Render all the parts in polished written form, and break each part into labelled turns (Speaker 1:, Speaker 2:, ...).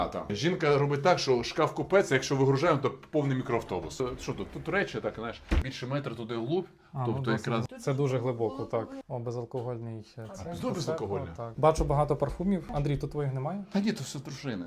Speaker 1: Там. Жінка робить так, що шкаф купець, якщо вигружаємо, то повний мікроавтобус. Що тут? Тут речі, так, знаєш, більше метра туди вглубь, тобто якраз...
Speaker 2: Це дуже глибоко, так. О, безалкогольний.
Speaker 1: Знову безалкогольне?
Speaker 2: Так. Бачу багато парфумів. Андрій, тут твоїх немає?
Speaker 1: Та ні, то все дружини.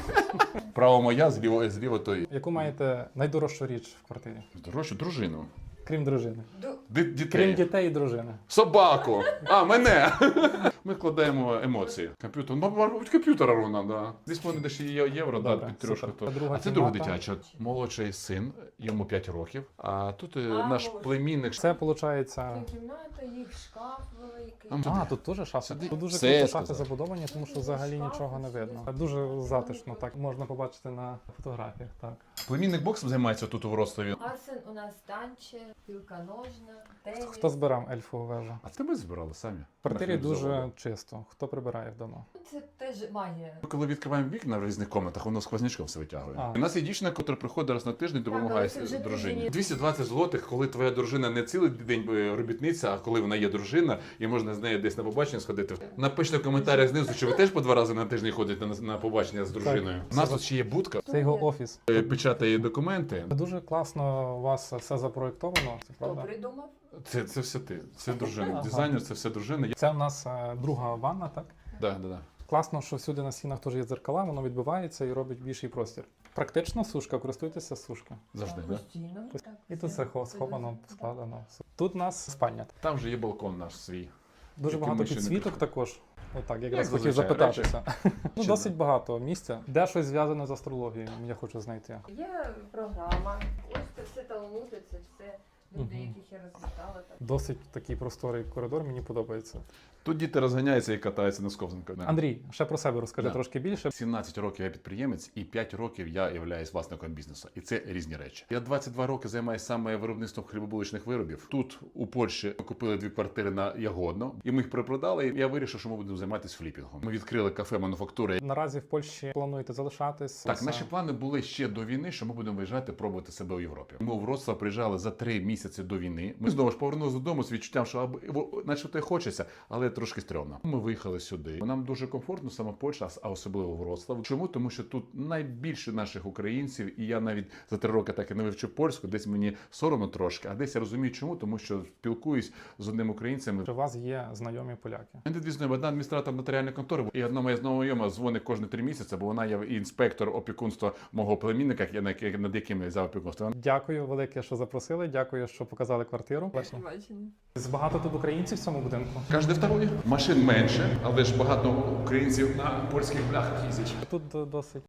Speaker 1: Право моя, зліво той.
Speaker 2: Яку маєте найдорожчу річ в квартирі?
Speaker 1: Дорожчу дружину.
Speaker 2: Крім дружини.
Speaker 1: Дітей.
Speaker 2: Крім дітей і дружини.
Speaker 1: Собаку! А, мене! Ми вкладаємо емоції. Комп'ютер, мабуть, комп'ютера ровно, да. Десь вони десь євро, да, під трьошку. А це друга дитяча. Молодший син, йому 5 років. А тут наш племінник.
Speaker 2: Це, виходить...
Speaker 3: Кімната, їх шкаф великий.
Speaker 1: Там
Speaker 2: тут теж шафи. Тут дуже
Speaker 1: Все
Speaker 2: круто
Speaker 1: сказав.
Speaker 2: шафи забудовані, тому що взагалі нічого не видно. Дуже затишно, так можна побачити на фотографіях, так.
Speaker 1: Племінник боксом займається тут у Вроцлаві.
Speaker 3: Арсен у нас танчер, пілка ножна, теніс.
Speaker 2: Хто збирав ельфову вежу?
Speaker 1: А це ми збирали самі.
Speaker 2: В квартирі дуже чисто. Хто прибирає вдома?
Speaker 3: Це теж магія.
Speaker 1: Коли відкриваємо вікна в різних комнатах, воно сквознячком все витягує.
Speaker 2: А.
Speaker 1: У нас є дівчина, яка приходить раз на тиждень, допомагає
Speaker 3: але це вже
Speaker 1: дружині.
Speaker 3: дружині.
Speaker 1: 220 злотих, коли твоя дружина не цілий день робітниця, а коли вона є дружина, і можна з нею десь на побачення сходити. Напишіть в коментарях знизу, чи ви теж по 2 рази на тиждень ходите на побачення з дружиною. У нас тут ще є будка,
Speaker 2: Це його офіс.
Speaker 1: печатає документи.
Speaker 2: Дуже класно у вас все запроєктовано, це
Speaker 3: Хто
Speaker 2: правда?
Speaker 3: придумав?
Speaker 1: Це все ти, це дружина.
Speaker 2: Ага.
Speaker 1: Дизайнер, це все дружина.
Speaker 2: Це у нас друга ванна, так?
Speaker 1: Да.
Speaker 2: Класно, що всюди на стінах теж є дзеркала, воно відбивається і робить більший простір. Практично сушка, користуйтеся сушки.
Speaker 1: Завжди,
Speaker 3: Так,
Speaker 1: да?
Speaker 3: постійно. Так,
Speaker 2: І тут все сховано, складено. Тут у нас спальня.
Speaker 1: Там вже є балкон наш свій.
Speaker 2: Дуже
Speaker 1: Яким
Speaker 2: багато
Speaker 1: ми ще не
Speaker 2: підсвіток
Speaker 1: прийшли.
Speaker 2: також. Отак, якраз
Speaker 1: Як
Speaker 2: хотів
Speaker 1: зазвичай,
Speaker 2: запитатися. Ну,
Speaker 1: Чи
Speaker 2: досить багато місця. Де щось зв'язане з астрологією, я хочу знайти.
Speaker 3: Є програма. Ось це все талмуди, це все люди,
Speaker 2: Мгм.
Speaker 3: яких я розвітала. Так.
Speaker 2: Досить такий просторий коридор, мені подобається.
Speaker 1: Тут діти розганяються і катаються на сковзанках.
Speaker 2: Андрій, ще про себе розкажи
Speaker 1: Да.
Speaker 2: трошки більше.
Speaker 1: 17 років я підприємець і 5 років я являюсь власником бізнесу. І це різні речі. Я 22 роки займаюся саме виробництвом хлібобуличних виробів. Тут у Польщі ми купили 2 квартири на Ягодно, і ми їх перепродали. І я вирішив, що ми будемо займатися фліпінгом. Ми відкрили кафе мануфактури.
Speaker 2: Наразі в Польщі плануєте залишатись?
Speaker 1: Так, наші плани були ще до війни, що ми будемо виїжджати, пробувати себе у Європі. Ми у Вроцлав приїжджали за 3 місяці до війни. Ми знову ж повернулися додому з відчуттям, що начебто і хочеться, але трошки стрьомно. Ми виїхали сюди. Нам дуже комфортно саме Польща, а особливо Вроцлав. Чому? Тому що тут найбільше наших українців, і я навіть за 3 роки так і не вивчив польську. Десь мені соромно трошки, а десь я розумію, чому, тому що спілкуюсь з одним українцем.
Speaker 2: Чи у вас є знайомі поляки?
Speaker 1: Мене дві знайомі, одна адміністратор нотаріальної контори, і одна моя знайома дзвонить кожні 3 місяці, бо вона є інспектор опікунства мого племінника, над яким я взяв опікунство.
Speaker 2: Дякую велике, що запросили. Дякую, що показали квартиру.
Speaker 3: Бачення.
Speaker 2: Багато тут українців в цьому будинку.
Speaker 1: Кожен второй. Машин менше, але ж багато українців на польських бляхах їздять.
Speaker 2: Тут досить